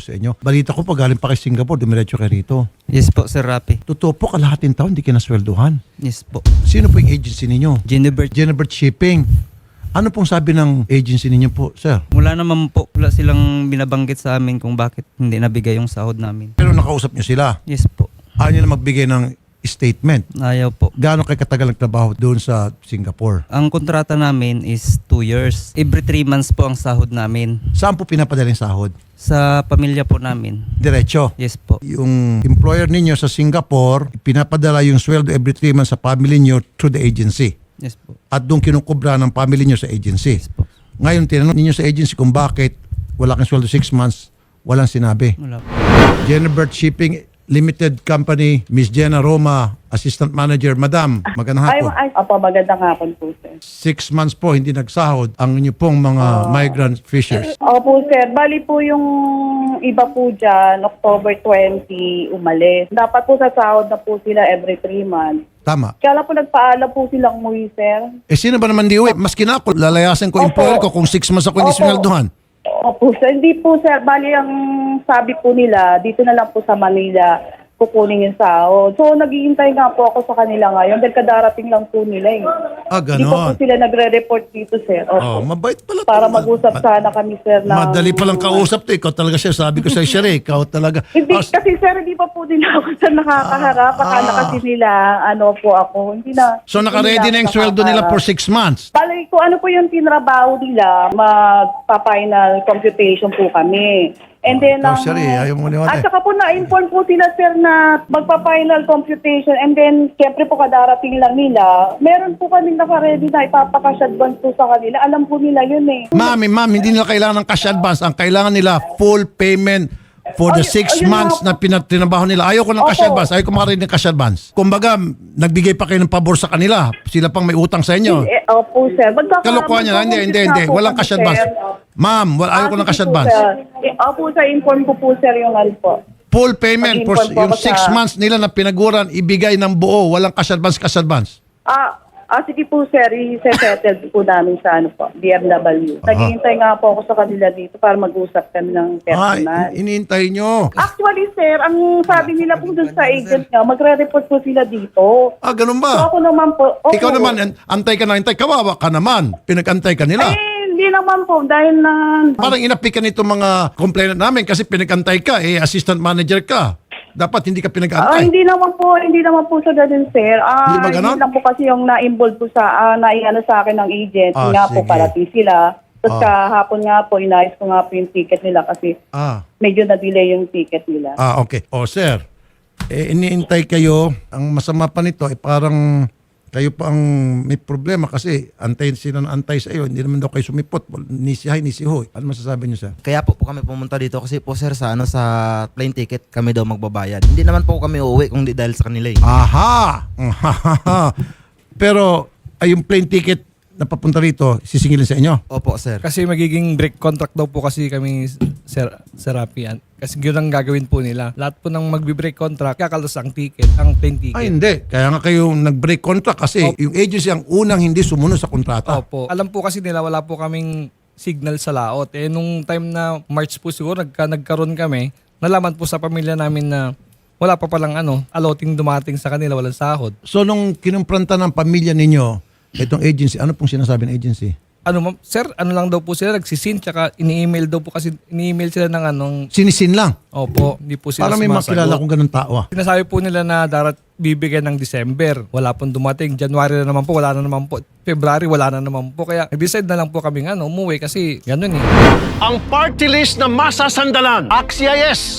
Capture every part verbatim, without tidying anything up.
sa inyo. Balita ko pa galing pa kay Singapore, dumiretso kayo rito. Yes po, Sir Rapi. Totoo po, kalahating taon, hindi kinasweldohan. Yes po. Sino po yung agency ninyo? Jennifer. Jennifer Shipping. Ano pong sabi ng agency ninyo po, sir? Wala naman po wala silang binabanggit sa amin kung bakit hindi nabigay yung sahod namin. Pero nakausap nyo sila. Yes po. Ayaw nila magbigay ng statement. Ayaw po. Gaano kayo katagal nagtrabaho doon sa Singapore? Ang kontrata namin is two years. Every three months po ang sahod namin. Saan po pinapadala yung sahod? Sa pamilya po namin. Diretso. Yes po. Yung employer ninyo sa Singapore, pinapadala yung sweldo every three months sa family nyo through the agency. Yes po. At doon kinukubra ng family nyo sa agency. Yes po. Ngayon, tinanong ninyo sa agency kung bakit wala kang sweldo six months, walang sinabi. Wala po. Jennifer Shipping Limited Company, Miss Jenna Roma, Assistant Manager. Madam, magandang Ay, hapon. ay, opo, magandang hapon po, sir. Six months po hindi nagsahod ang inyo pong mga migrant fishers. Opo, sir. Bali po yung iba po dyan, October twentieth, umalis. Dapat po sa sahod na po sila every three months. Tama. Kaya lang po nagpaalam po silang umuwi, sir. Eh sino ba naman di uwi? Maski na ako, lalayasin ko Opo. employer ko kung six months ako hindi Opo. sinweldohan. Opo, sir. Hindi po, sir. Bali ang sabi po nila, dito na lang po sa Manila, kukunin yung sahod. So, naghihintay nga po ako sa kanila ngayon dahil kadarating lang po nila eh. Ah, Hindi pa po ganon. sila nagre-report dito, sir. Oh, Opo. mabait pala. Para to. mag-usap sana kami, sir. ng- Madali palang kausap to. Ikaw talaga siya. Sabi ko sa'yo, siya rin. Ikaw talaga. Hindi, Ah, kasi sir, hindi pa po din ako sa nakakaharap. Akala Ah. kasi nila, ano po ako. Hindi na. so, hindi naka-ready ako na yung sweldo nila for nakaharap. six months. Bali, kung ano po yung tinrabaho nila, magpa-final computation po kami. And then, Ikaw, ang- siya rin. Ayaw mo niwala eh. at saka po na-inform po sila, sir, na magpa-final computation. And then, siyempre po kadarating lang nila. Meron po kami naka-ready na ipapakash advance po sa kanila. Alam po nila yun eh. Mami, ma'am, hindi nila kailangan ng cash advance. Ang kailangan nila, full payment for the Ay- six ayun months nga na pinatinabaho nila. Ayaw ko ng cash Opo. advance. Ayaw ko makarinig ng cash advance. Kumbaga, nagbigay pa kayo ng pabor sa kanila. Sila pang may utang sa inyo. Eh, opo, sir. Magkaka- Kalokohan niya. Hindi, hindi, hindi. magkaka- po Walang kami, cash advance. sir. Ma'am, wala, ayaw ko Ah, ng cash sige po, advance. sir. Eh, Opo, sir. Inform ko po, sir, yung ano po. Full payment for Mag-inform po yung ako six sa- months nila na pinaguran, ibigay ng buo. Walang cash advance, cash advance. Ah, ah sige po, sir. I-settle po namin sa ano po, D M W. Naghihintay nga po ako sa kanila dito para mag-usap kami ng Ah, personal. in- iniintay nyo. Actually, sir, ang sabi nila po dun sa agent nga, magre-report po sila dito. Ah, ganun So ba? ako naman po. opo. Ikaw naman, an- antay ka na, antay. Kawawa ka naman. Pinag-antay ka nila. Eh, hindi naman po. Dahil na... Parang inapikan itong mga complainant namin kasi pinag-antay ka, eh, assistant manager ka. Dapat hindi ka Ah, pinag-antay. hindi naman po, hindi naman po sa ganun, sir. Ah, Hindi ba ganon? hindi lang po kasi yung na-involve po sa, ah, naiano sa akin ng agent. Ah, nga po, sige. parating sila. Tapos Ah. kahapon nga po, inayos ko nga po yung ticket nila kasi Ah, medyo na-delay yung ticket nila. ah, okay. O, sir, eh, iniintay kayo. Ang masama pa nito, eh, parang kayo pa ang may problema kasi antay sila ng antay sa iyo. Hindi naman daw kayo sumipot. Ni si Hay, ni si Hoy. Ano masasabi niyo, sir? Kaya po po kami pumunta dito kasi po sir sa ano sa plane ticket kami daw magbabayad. Hindi naman po kami uuwi kung di dahil sa kanila eh. Aha! Pero, ay yung plane ticket na papunta rito, sisingilin sa inyo? Opo sir. Kasi magiging break contract daw po kasi kami Sir Serapian. Kasi yun ang gagawin po nila. Lahat po ng magbe-break contract, kakalas ang ticket, ang plane ticket. Ay, hindi. Kaya nga kayo nag-break contract kasi Opo. yung agency ang unang hindi sumunod sa kontrata. Opo. Alam po kasi nila wala po kaming signal sa laot. Eh nung time na March po siguro nagka, nagkaroon kami, nalaman po sa pamilya namin na wala pa palang ano, allotting dumating sa kanila, walang sahod. So, nung kinumpranta ng pamilya ninyo, itong agency, ano pong sinasabi ng agency? Ano ma'am, sir, ano lang daw po sila, nagsisin, tsaka ini-email daw po kasi, ini-email sila ng anong, Sinisin lang. opo, hindi po sila Para may sumasagot. makilala kung ganun tao ah. Sinasabi po nila na darat bibigyan ng December. Wala pong dumating. January na naman po, wala na naman po. February, wala na naman po. Kaya nag-decide na lang po kami ano, umuwi kasi ganun eh. Ang party list na masasandalan. A X I S.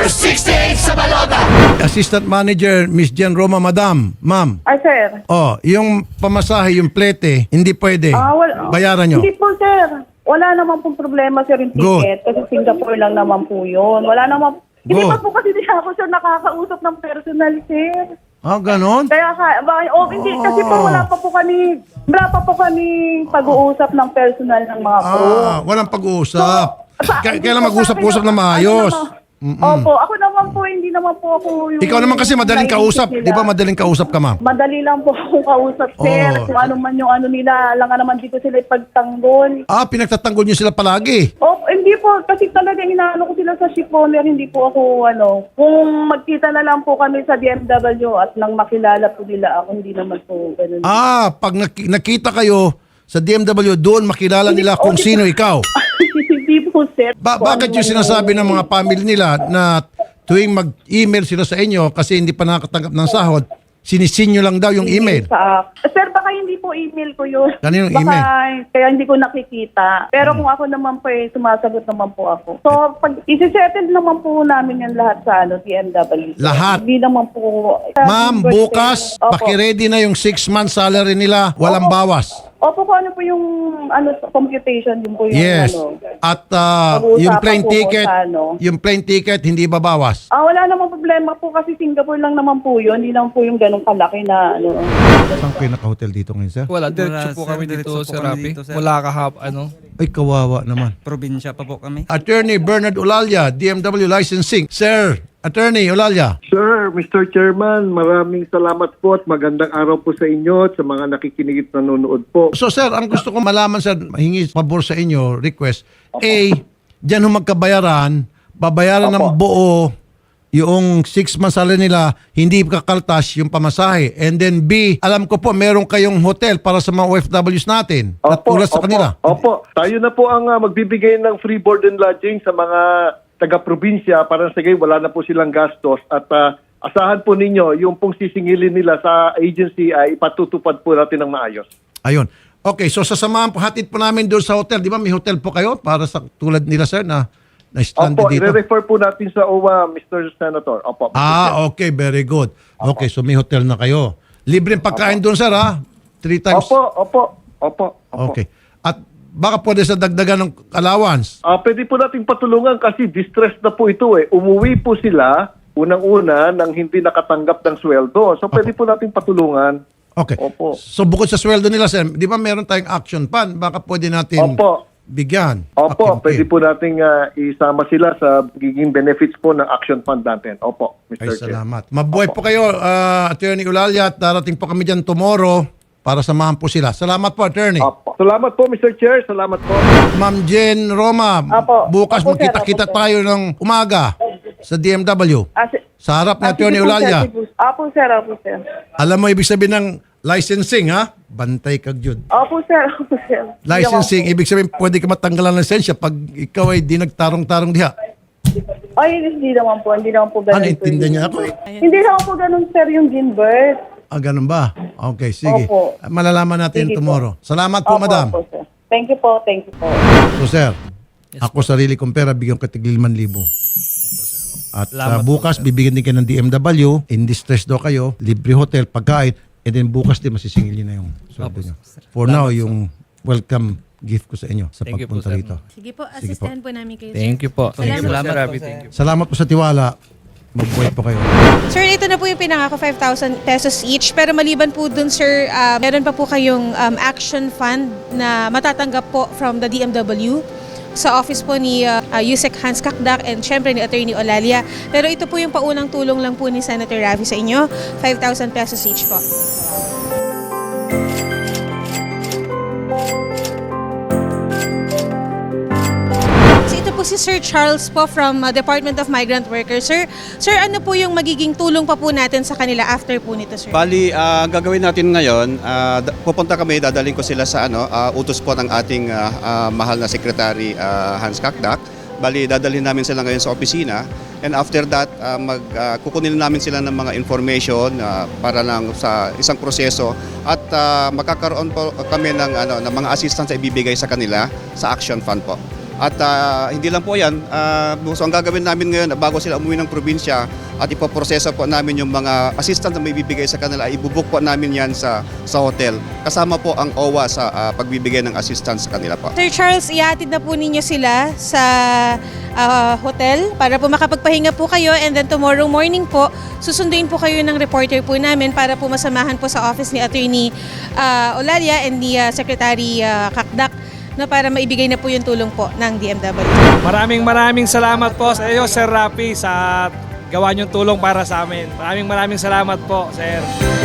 Assistant Manager, Miss Jen Roma, Madam, Ma'am. Ay, sir. Oh, yung pamasahe, yung plete, hindi pwede. Ah, wala. Bayaran nyo. Hindi po, sir. Wala naman pong problema, sir, yung Good. ticket. Kasi Singapore lang naman po yun. Wala naman. Hindi Good. pa po kasi di ako, sir, nakakausap ng personal, sir. Ah, ganon? Kaya ka, bakit, oh, hindi, kasi po wala pa po kami, wala pa po kami pag-uusap ng personal ng mga crew. Ah, walang pag-uusap. Sa- Kaya hindi kailan po mag-usap-usap sa na akin, maayos. ano naman- Opo, ako naman po, hindi naman po ako yung... Ikaw naman kasi madaling kausap. naiisip Di ba nila. madaling kausap ka, ma'am? Madali lang po akong kausap, sir. Oh. Kung ano man yung ano nila, lang nga naman dito sila ipagtanggol. Ah, pinagtatanggol nyo sila palagi. Oh, hindi po, kasi talaga inaano ko sila sa shipowner, hindi po ako, ano, kung magkita na lang po kami sa D M W at nang makilala po nila ako, hindi naman po ganun. Ah, pag nak- nakita kayo sa D M W, doon makilala Hindi nila po, kung di sino po. ikaw. Hindi po, sir. Ba- Kung bakit ano yung lang sinasabi ng mga family nila na tuwing mag-email sila sa inyo kasi hindi pa nakakatanggap ng sahod, sinisinyo lang daw yung email? Sa, sir, baka hindi po email ko yun. Kaninong baka, email? Kaya hindi ko nakikita. Pero kung ako naman po, eh, sumasagot naman po ako. So, pag isi-settle naman po namin yan lahat sa ano, D M W. Lahat? Hindi naman po. Ma'am, bukas, Opo. pakiready na yung six months salary nila, walang Opo. bawas. Opo, kung ano po yung ano, computation, yun po yung Yes. ano. At ah, Pag-uusapan yung plane po ko ticket, sa ano. yung plane ticket hindi babawas. Ah, wala namang problema po kasi Singapore lang naman po yun. Hindi lang po yung ganong kalaki na ano. Saan kayo naka-hotel dito ngayon, sir? Wala, diretso Wala, po sir. kami Diretso dito, po Sir kami Rapi. dito, sir. Wala kahap, ano. Ay, kawawa naman. Probinsya pa po kami. Attorney Bernard Olalia, D M W Licensing. Sir, Attorney Olalia. Sir, Mister Chairman, maraming salamat po at magandang araw po sa inyo at sa mga nakikinig at nanonood po. So sir, ang gusto ko malaman sir, hingi pabor sa inyo, request. A, dyan ho magkabayaran, babayaran ng buo yung six months salary nila, hindi kakaltas yung pamasahe. And then B, alam ko po meron kayong hotel para sa mga O F Ws natin. At tulad sa kanila. Opo, tayo na po ang ah, magbibigay ng free board and lodging sa mga taga-probinsya para sa gayon wala na po silang gastos at ah, asahan po ninyo yung pong sisingilin nila sa agency ay ipatutupad po natin ng maayos. Ayun. Okay, so sasamahan po, hatid po namin doon sa hotel. Di ba may hotel po kayo para sa tulad nila sir na na-stranded Opo, dito? i-refer po natin sa O W A, Mister Senator. Opo. Mister Chair. Ah, okay. Very good. Okay, so may hotel na kayo. Libreng pagkain doon, sir, ha? Three times. Opo, opo, opo, opo. Okay. At baka pwede sa dagdagan ng allowance. Ah, pwede po nating patulungan kasi distressed na po ito eh. Umuwi po sila unang-una nang hindi nakatanggap ng sweldo. So pwede po nating patulungan. Okay. Opo. So bukod sa sweldo nila, sir, di ba meron tayong action fund? Baka pwede natin Opo. bigyan. Opo, Okay, pwede okay. po nating ah, isama sila sa giging benefits po ng action fund natin. Opo, Ay, Mister Chair. salamat. Mabuhay po kayo, uh, Attorney Ulalia, at darating po kami dyan tomorrow para samahan po sila. Salamat po, Attorney. Opo. Salamat po, Mister Chair. Salamat po. Ma'am Jen Roma, Apo. bukas Apo, sir. magkita-kita Apo, sir. tayo ng umaga sa D M W. Ah, si- Sa harap ni ah, Attorney sige po, sir, Ulalia. sige po. Apo, sir. Apo, sir. Alam mo ibig sabihin ng licensing, ha? Bantay kag jud. Opo, sir. Opo, sir. Licensing, ibig sabihin pwede ka matanggalan ng lisensya pag ikaw ay di nagtarong-tarong diha. Ay, hindi naman po. Hindi naman po ganun. Ano, po intindihan yun. niya ako? Hindi naman po ganun, sir, yung Gilbert. Ah, ganun ba? Okay, sige. Opo. Malalaman natin Sige po. tomorrow. Salamat po, Opo, madam. opo, sir. Thank you po. Thank you po. So, sir, ako sarili kong pera, bigyan ko tig limang libo. At uh, bukas, bibigyan din kayo ng D M W. In distress daw kayo. Libre hotel, pagkain. And then bukas din, masisingil nyo na yung sweldo nyo. For now, yung welcome gift ko sa inyo sa Thank you po, pagpunta sir. rito. Sige po, assistant po namin kayo. sir. Thank you po. Thank you po, Sir Rapi. Thank you. Salamat po sa tiwala. Mabuhay po kayo. Sir, ito na po yung pinangako, five thousand pesos each. Pero maliban po dun, sir, uh, meron pa po kayong um, action fund na matatanggap po from the D M W sa office po ni uh, uh, Yusek Hans Kakdak and syempre ni Attorney Olalia. Pero ito po yung paunang tulong lang po ni Senator Rafi sa inyo, five thousand pesos each po. So ito po si Sir Charles po from uh, Department of Migrant Workers. Sir, sir, ano po yung magiging tulong pa po natin sa kanila after po nito, sir? Bali, ah, ang gagawin natin ngayon, ah, da- pupunta kami, dadaling ko sila sa ano, ah, utos po ng ating ah, ah, mahal na Secretary ah, Hans Kakdak. Bali, dadalhin namin sila ngayon sa opisina. And after that, ah, mag, ah, kukunin namin sila ng mga information ah, para lang sa isang proseso. At ah, magkakaroon po kami ng, ano, ng mga assistance na ibibigay sa kanila sa Action Fund po. At ah, hindi lang po yan, uh, so ang gagawin namin ngayon bago sila umuwi ng probinsya at ipoproseso po namin yung mga assistance na may bibigay sa kanila, ibubuk po namin yan sa, sa hotel. Kasama po ang O W A sa ah, pagbibigay ng assistance sa kanila po. Sir Charles, ihatid na po ninyo sila sa ah, hotel para po makapagpahinga po kayo and then tomorrow morning po, susunduin po kayo ng reporter po namin para po masamahan po sa office ni Attorney ah, Olalia and ni ah, Secretary ah, Kakdak na para maibigay na po yung tulong po ng D M W. Maraming maraming salamat po sa iyo, Sir Rapi, sa gawa niyong tulong para sa amin. Maraming maraming salamat po, sir.